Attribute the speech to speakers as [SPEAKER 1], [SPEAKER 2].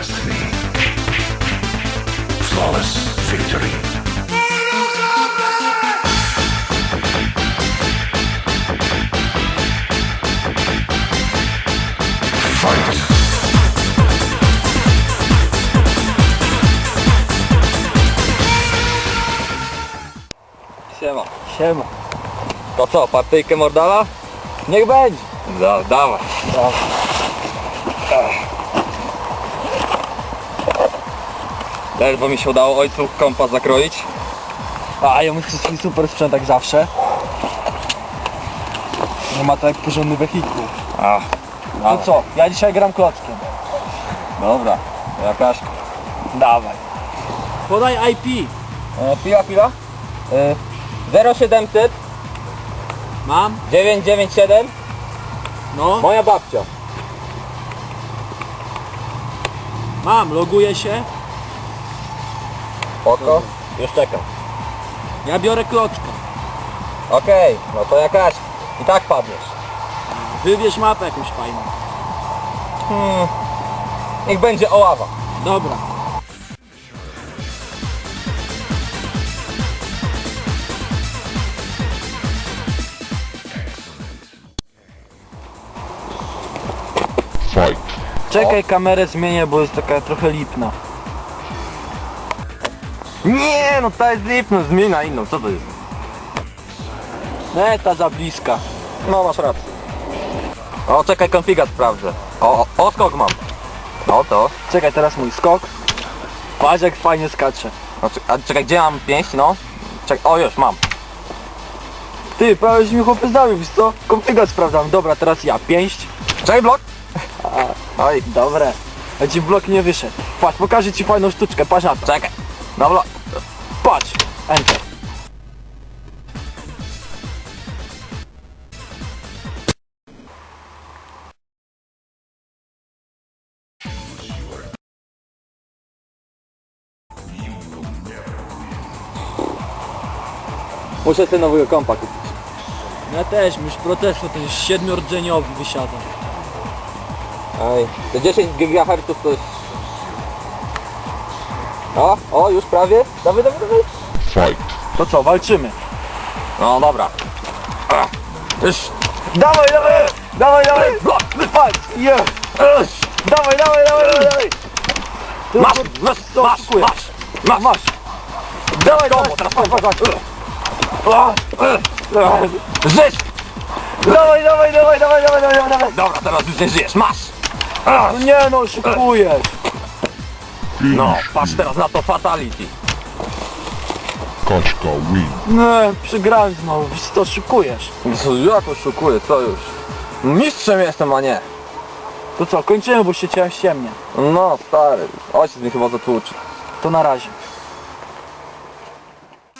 [SPEAKER 1] destiny. Flawless victory. Fight!
[SPEAKER 2] Siema.
[SPEAKER 3] Siema.
[SPEAKER 2] To co, partyjkę mordala?
[SPEAKER 3] Niech będzie.
[SPEAKER 2] Dawaj. Ledwo mi się udało ojcu kompas zakroić.
[SPEAKER 3] A ja muszę swój super sprzęt jak zawsze. Nie ma to jak porządny wehikuł. No co, ja dzisiaj gram klockiem.
[SPEAKER 2] Dobra, jakaś...
[SPEAKER 3] Dawaj. Podaj IP.
[SPEAKER 2] Chwila. 0700
[SPEAKER 3] Mam?
[SPEAKER 2] 997
[SPEAKER 3] No.
[SPEAKER 2] moja babcia.
[SPEAKER 3] Mam, loguję się.
[SPEAKER 2] Oko? Już czekam.
[SPEAKER 3] Ja biorę kloczka.
[SPEAKER 2] Okej, no to jakaś... I tak padniesz.
[SPEAKER 3] Wybierz mapę jakąś fajną.
[SPEAKER 2] Niech będzie Oława.
[SPEAKER 3] Dobra.
[SPEAKER 1] Fight!
[SPEAKER 3] Czekaj, kamerę zmienię, bo jest taka trochę lipna.
[SPEAKER 2] Nie, no ta jest lipna, zmień na inną, co to jest?
[SPEAKER 3] Nie, ta za bliska.
[SPEAKER 2] No masz rację. O, czekaj, konfigat sprawdzę. O, skok mam. No to.
[SPEAKER 3] Czekaj, teraz mój skok. Patrz jak fajnie skacze.
[SPEAKER 2] No, a czekaj, gdzie mam pięść, no? Czekaj, o już mam.
[SPEAKER 3] Ty, prawie że mi chłopy zdawił, wiesz co? Konfigat sprawdzam. Dobra, teraz ja. Pięść.
[SPEAKER 2] Czekaj, blok.
[SPEAKER 3] Oj, dobre. A ci blok nie wyszedł. Patrz, pokażę ci fajną sztuczkę, patrz na to.
[SPEAKER 2] Czekaj. Dobra.
[SPEAKER 3] Patrz. Enter.
[SPEAKER 2] Muszę sobie nowego kompa kupić.
[SPEAKER 3] Ja też, już protestu, ten 7-rdzeniowy wysiada.
[SPEAKER 2] Ej, te 10 GHz to jest... O, już prawie. Dawaj.
[SPEAKER 1] Fight!
[SPEAKER 3] To co, walczymy?
[SPEAKER 2] No dobra. Już.
[SPEAKER 3] Dawaj! Blok! Patrz! Yeah. Dawaj!
[SPEAKER 2] Masz.
[SPEAKER 3] Dawaj!
[SPEAKER 2] Teraz
[SPEAKER 3] patrz!
[SPEAKER 2] Żyć!
[SPEAKER 3] Dawaj!
[SPEAKER 2] Dobra, teraz już nie żyjesz, masz!
[SPEAKER 3] No nie no, szykujesz!
[SPEAKER 2] No, patrz teraz na to fatality.
[SPEAKER 1] Kaczka win!
[SPEAKER 3] Nie, przegrałem znowu, wiesz co, szykujesz.
[SPEAKER 2] Ja to szukuję, co już? Mistrzem jestem, a nie.
[SPEAKER 3] To co, kończymy, bo się ciemnia.
[SPEAKER 2] No stary, ojciec mi chyba zatłuczy.
[SPEAKER 3] To na razie.